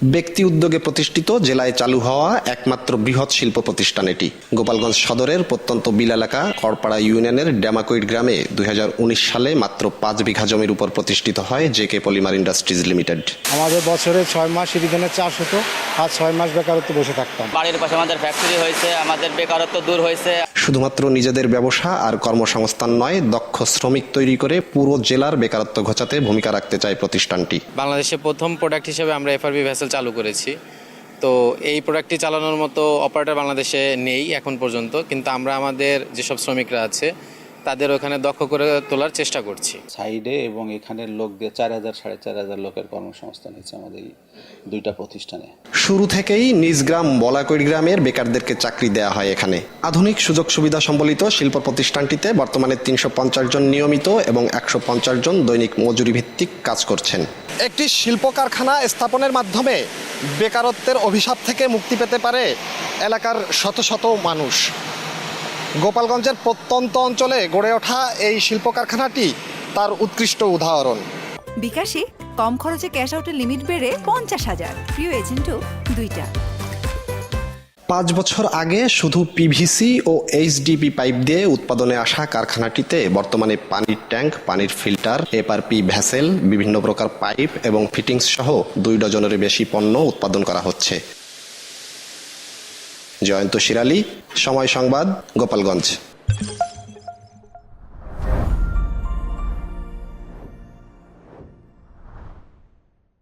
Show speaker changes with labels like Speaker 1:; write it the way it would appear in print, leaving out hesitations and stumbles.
Speaker 1: ব্যক্তি উদ্যোগে প্রতিষ্ঠিত জেলায় চালু হওয়া একমাত্র বৃহৎ শিল্প প্রতিষ্ঠান এটি। গোপালগঞ্জ সদরের প্রত্যন্ত বিল এলাকা করপাড়া ইউনিয়নের ড্যামাকুইট গ্রামে 2019 সালে মাত্র 5 বিঘা জমির উপর প্রতিষ্ঠিত হয় জেকে পলিমার ইন্ডাস্ট্রিজ লিমিটেড।
Speaker 2: আমাদের বছরে 6 মাস ইরিধানের চাষ হতো, আর 6 মাস বেকারত্ব বসে থাকতাম।
Speaker 3: বাড়ির পাশে আমাদের ফ্যাক্টরি হয়েছে, আমাদের বেকারত্ব দূর হয়েছে।
Speaker 1: শুধুমাত্র নিজেদের ব্যবসা আর কর্মসংস্থান নয়, দক্ষ শ্রমিক তৈরি করে পুরো জেলার বেকারত্ব ঘোচাতে ভূমিকা রাখতে চায় প্রতিষ্ঠানটি।
Speaker 4: বাংলাদেশে প্রথম প্রোডাক্ট হিসেবে আমরা এফআরবি ভেসেল চালু করেছি। তো এই প্রোডাক্টটি চালানোর মতো অপারেটর বাংলাদেশে নেই এখন পর্যন্ত, কিন্তু আমরা আমাদের যেসব শ্রমিকরা আছে তাদের ওখানে দক্ষ করে তোলার চেষ্টা করছি।
Speaker 5: সাইডে এবং এখানের লোক দিয়ে 4,000-4,500 লোকের কর্মসংস্থান হয়েছে আমাদের এই দুইটা প্রতিষ্ঠানে।
Speaker 1: শুরু থেকেই নিজ গ্রাম বলাকৈর গ্রামের বেকারদেরকে চাকরি দেওয়া হয় এখানে। আধুনিক সুযোগ সুবিধা সম্বলিত শিল্প প্রতিষ্ঠানটিতে বর্তমানে 350 জন নিয়মিত এবং 150 জন দৈনিক মজুরি ভিত্তিক কাজ করছেন। একটি শিল্প কারখানা স্থাপনের মাধ্যমে বেকারত্বের অভিশাপ থেকে মুক্তি পেতে পারে এলাকার শত শত মানুষ। গোপালগঞ্জের প্রত্যন্ত অঞ্চলে গড়ে ওঠা এই শিল্প কারখানাটি তার উৎকৃষ্ট উদাহরণ।
Speaker 6: বিকাশে কম খরচে ক্যাশ আউটের লিমিট বেড়ে 50,000, প্রিয় এজেন্টও 2টা।
Speaker 1: 5 বছর আগে শুধু পিভিসি ও এইচডিপি পাইপ দিয়ে উৎপাদনে আসা কারখানাটিতে বর্তমানে পানির ট্যাঙ্ক, পানির ফিল্টার, এফআরপি ভেসেল, বিভিন্ন প্রকার পাইপ এবং ফিটিংস সহ 2 ডজনেরও বেশি পণ্য উৎপাদন করা হচ্ছে। জয়ন্ত শিরালি, সময় সংবাদ, গোপালগঞ্জ।